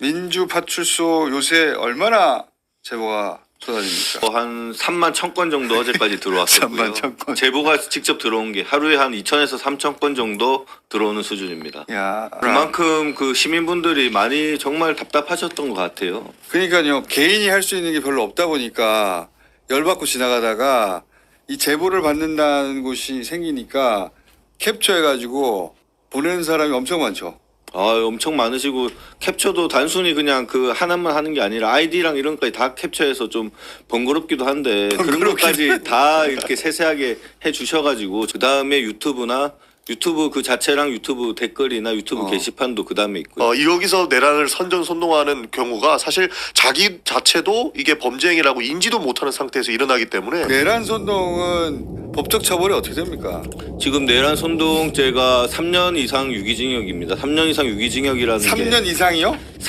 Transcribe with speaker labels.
Speaker 1: 민주파출소 요새 얼마나 제보가 쏟아집니까?
Speaker 2: 한 3만 1,000건 정도 어제까지 들어왔었고요.
Speaker 1: 3만 1,000건.
Speaker 2: 제보가 직접 들어온 게 하루에 한 2,000에서 3,000건 정도 들어오는 수준입니다.
Speaker 1: 야,
Speaker 2: 그만큼 그 시민분들이 많이 정말 답답하셨던 것 같아요.
Speaker 1: 그러니까요. 개인이 할 수 있는 게 별로 없다 보니까 열받고 지나가다가 이 제보를 받는다는 곳이 생기니까 캡처해가지고 보내는 사람이 엄청 많죠.
Speaker 2: 엄청 많으시고 캡처도 단순히 그냥 그 하나만 하는 게 아니라 아이디랑 이런 것까지 다 캡처해서 좀 번거롭기도 한데 그런 것까지 다 이렇게 세세하게 해 주셔가지고 그 다음에 유튜브 그 자체랑 유튜브 댓글이나 유튜브 게시판도 그 다음에 있고요.
Speaker 3: 여기서 내란을 선전선동하는 경우가 사실 자기 자체도 이게 범죄 행위라고 인지도 못하는 상태에서 일어나기 때문에
Speaker 1: 내란 선동은 법적 처벌이 어떻게 됩니까?
Speaker 2: 지금 내란 선동죄가 3년 이상 유기징역입니다. 3년 이상 유기징역이라는 게
Speaker 1: 3년 이상이요?